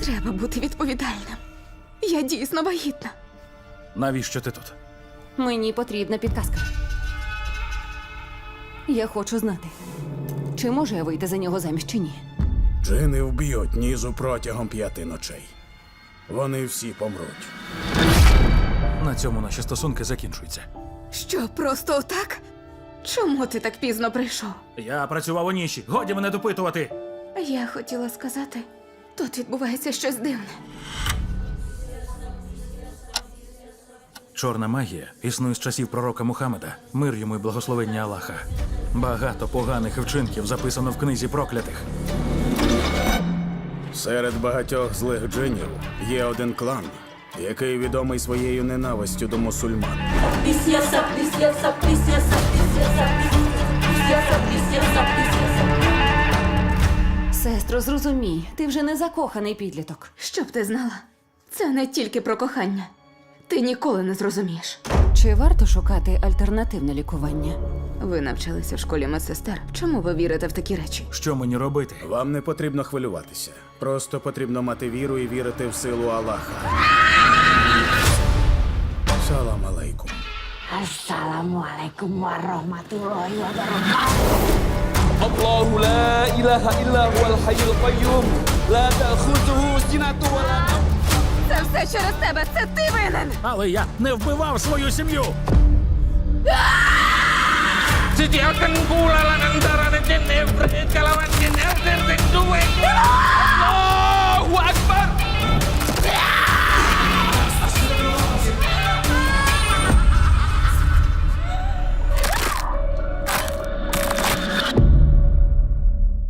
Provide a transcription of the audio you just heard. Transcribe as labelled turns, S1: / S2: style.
S1: Треба бути відповідальним. Я дійсно вагітна.
S2: Навіщо ти тут?
S3: Мені потрібна підказка. Я хочу знати, чи можу я вийти за нього заміж чи ні.
S4: Джини вб'ють Нізу протягом 5 ночей. Вони всі помруть.
S2: На цьому наші стосунки закінчуються.
S1: Що, просто отак? Чому ти так пізно прийшов?
S2: Я працював у ніші. Годі мене допитувати.
S1: Я хотіла сказати, тут відбувається щось дивне.
S2: Чорна магія існує з часів пророка Мухаммеда. Мир йому і благословення Аллаха. Багато поганих вчинків записано в книзі проклятих.
S4: Серед багатьох злих джинів є один клан, який відомий своєю ненавистю до мусульман.
S3: Сестро, зрозумій, ти вже не закоханий підліток.
S1: Щоб ти знала, це не тільки про кохання. Ти ніколи не зрозумієш.
S3: Чи варто шукати альтернативне лікування?
S1: Ви навчалися в школі медсестер. Чому ви вірите в такі речі?
S2: Що мені робити?
S4: Вам не потрібно хвилюватися. Просто потрібно мати віру і вірити в силу Аллаха. Салам алейкум.
S5: Assalamualaikum warahmatullahi wabarakatuh.
S6: الله لا إله إلا هو الحي القيوم لا تأخذه سنة ولا نوم.
S1: Це все через тебе! Це ти винен!
S2: Але я не вбивав свою сім'ю!
S6: Sediakan pula antara jin iblis kelawan jin